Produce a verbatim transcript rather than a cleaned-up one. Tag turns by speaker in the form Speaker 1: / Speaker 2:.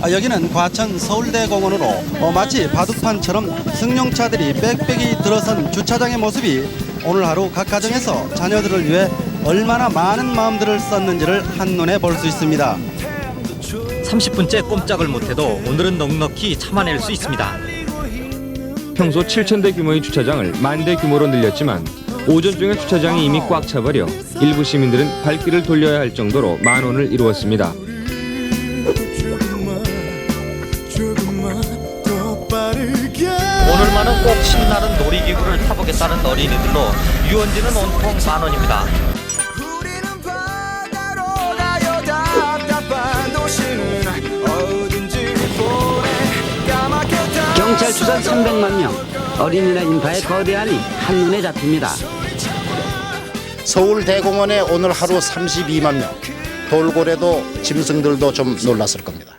Speaker 1: 아, 여기는 과천 서울대공원으로 어, 마치 바둑판처럼 승용차들이 빽빽이 들어선 주차장의 모습이 오늘 하루 각 가정에서 자녀들을 위해 얼마나 많은 마음들을 썼는지를 한눈에 볼 수 있습니다.
Speaker 2: 삼십 분째 꼼짝을 못해도 오늘은 넉넉히 참아낼 수 있습니다.
Speaker 3: 평소 칠천 대 규모의 주차장을 만 대 규모로 늘렸지만 오전 중에 주차장이 이미 꽉 차버려 일부 시민들은 발길을 돌려야 할 정도로 만원을 이루었습니다.
Speaker 2: 오늘만은 꼭 신나는 놀이기구를 타보겠다는 어린이들로 유원지는 온통 만 원입니다.
Speaker 4: 경찰 추산 삼백만 명, 어린이나 인파의 거대함이 한눈에 잡힙니다.
Speaker 5: 서울대공원에 오늘 하루 삼십이만 명, 돌고래도 짐승들도 좀 놀랐을 겁니다.